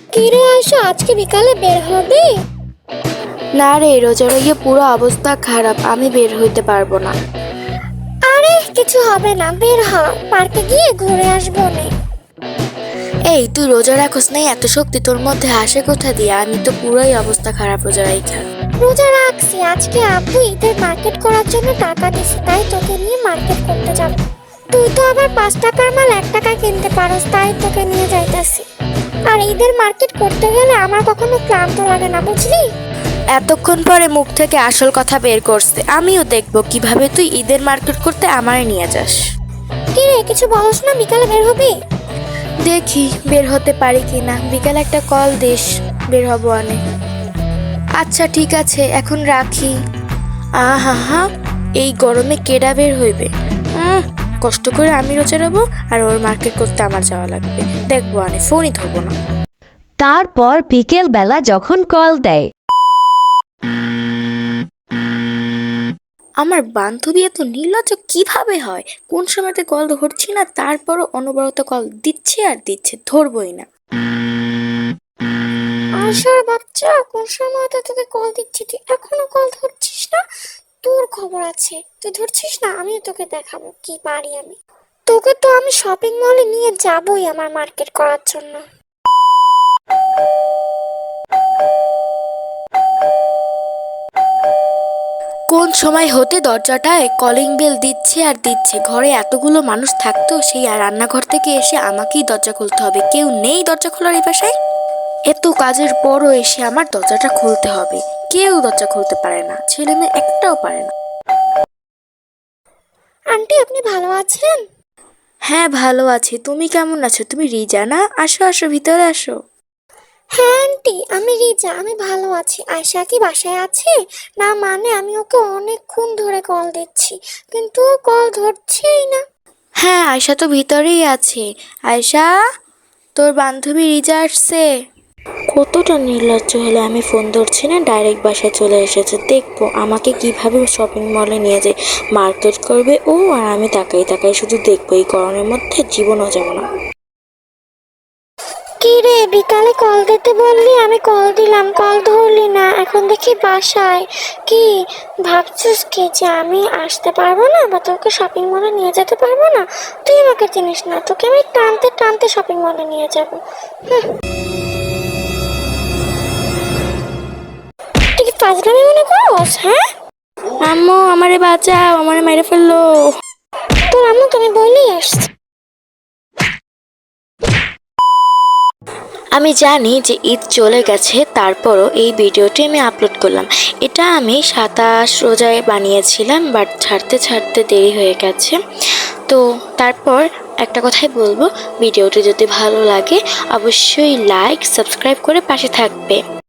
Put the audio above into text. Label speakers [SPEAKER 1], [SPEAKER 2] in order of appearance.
[SPEAKER 1] কিরে আয়শা, আজকে বিকালে বের হবে?
[SPEAKER 2] না রে, রোজার গিয়ে পুরো অবস্থা খারাপ, আমি বের হইতে পারবো না।
[SPEAKER 1] আরে কিছু হবে না, বের হ, পার্কে গিয়ে ঘুরে আসবো নে।
[SPEAKER 2] এই তুই রোজা রাখোস নাই? এত শক্তি তোর মধ্যে আসে কোথা দিয়ে? আমি তো পুরোই অবস্থা খারাপ রোজা রাইখা।
[SPEAKER 1] রোজা রাখছি, আজকে আব্বু ঈদের মার্কেট করার জন্য টাকা দিছে, তাই তোকে নিয়ে মার্কেট করতে যাব। তুই তো আবার 5 টাকার মাল 1 টাকায় কিনতে পারস, তাই তোকে নিয়ে যাইতাছি। আর ঈদের মার্কেট করতে গেলে আমার কখনো ক্লান্ত লাগে না, বুঝলি?
[SPEAKER 2] এতক্ষণ পরে মুখ থেকে আসল কথা বের করছে। আমিও দেখবো কিভাবে তুই ঈদের মার্কেট করতে আমারে নিয়ে যাস।
[SPEAKER 1] কিরে কিছু বলস না, বিকালে বের হবি?
[SPEAKER 2] দেখি বের হতে পারি কিনা, বিকালে একটা কল দিস, বের হবো আনে। আচ্ছা ঠিক আছে, এখন রাখি। আহা হা, এই গরমে কেডা বের হইবে? কষ্ট করে আমি রোজা রাখবো আর ওর মার্কেট করতে আমার যাওয়া লাগবে। দেখবো আনে, ফোনই ধরবো না।
[SPEAKER 3] তারপর বিকেল বেলা যখন কল দেয়,
[SPEAKER 2] আমার বান্ধবী এত নির্লজ্জ কিভাবে হয়? কোন সময়তে কল ধরছি না, তারপরও অনবরত কল দিচ্ছে আর দিচ্ছে, ধরবই না।
[SPEAKER 1] আয়শার বাচ্চা, কোন সময় তো তোকে কল দিচ্ছি, তুই এখনো কল ধরছিস না? তোর খবর আছে, তুই ধরছিস না, আমিও তোকে দেখাবো কি পারি আমি। তোকে তো আমি শপিং মলে নিয়ে যাবই আমার মার্কেট করার জন্য।
[SPEAKER 2] কোন সময় হতে দরজাটায় কলিং বেল দিচ্ছে আর দিচ্ছে। ঘরে এতগুলো মানুষ থাকতো, সেই আর রান্নাঘর থেকে এসে আমাকেই দরজা খুলতে হবে। কেউ নেই দরজা খোলার এই বাসায়। এত কাজের পরও এসে আমার দরজাটা খুলতে হবে। কেউ দরজা খুলতে পারে না, ছেলে মেয়ে একটাও পারে না।
[SPEAKER 1] আন্টি আপনি ভালো আছেন?
[SPEAKER 2] হ্যাঁ ভালো আছি, তুমি কেমন আছো? তুমি রিজা না? আসো আসো, ভিতরে আসো।
[SPEAKER 1] হ্যাঁ আন্টি, আমি রিজা, আমি ভালো আছি। আয়শা কি বাসায় আছে? না মানে আমি ওকে অনেকক্ষণ ধরে কল দিচ্ছি, কিন্তু ও কল ধরছেই না।
[SPEAKER 2] হ্যাঁ আয়শা তো ভিতরেই আছে। আয়শা, তোর বান্ধবী রিজা আসছে। কতটা নির্লজ্জ হলে, আমি ফোন ধরছি না, ডাইরেক্ট বাসায় চলে এসেছে। দেখবো আমাকে কিভাবে শপিং মলে নিয়ে যায়, মার্কেট করবে ও, আর আমি তাকাই তাকাই শুধু দেখবো। এই গরমের মধ্যে জীবনও যাবো না।
[SPEAKER 1] কি রে, বিকালে কল দিতে বললি, আমি কল দিলাম, কল ধরলি না, এখন দেখি বাসায়। কি ভাবছিস কি যে আমি আসতে পারবো না বা তোকে শপিং মলে নিয়ে যেতে পারবো না? তুই আমাকে চিনিস না, তোকে আমি টানতে টানতে শপিং মলে নিয়ে যাবো। তুই কি ফাজলামি মনে করস? হ্যাঁ,
[SPEAKER 2] আম্মু আমারে বাঁচাও, আমারে মেরে ফেললো।
[SPEAKER 1] তোর আম্মুকে আমি বলেই আসছি।
[SPEAKER 2] আমি জানি যে ঈদ চলে গেছে, তারপরও এই ভিডিওটি আমি আপলোড করলাম। এটা আমি 27 রোজায় বানিয়েছিলাম, বাট ছাড়তে ছাড়তে দেরি হয়ে গেছে। তো তারপর একটা কথাই বলবো, ভিডিওটি যদি ভালো লাগে অবশ্যই লাইক সাবস্ক্রাইব করে পাশে থাকবে।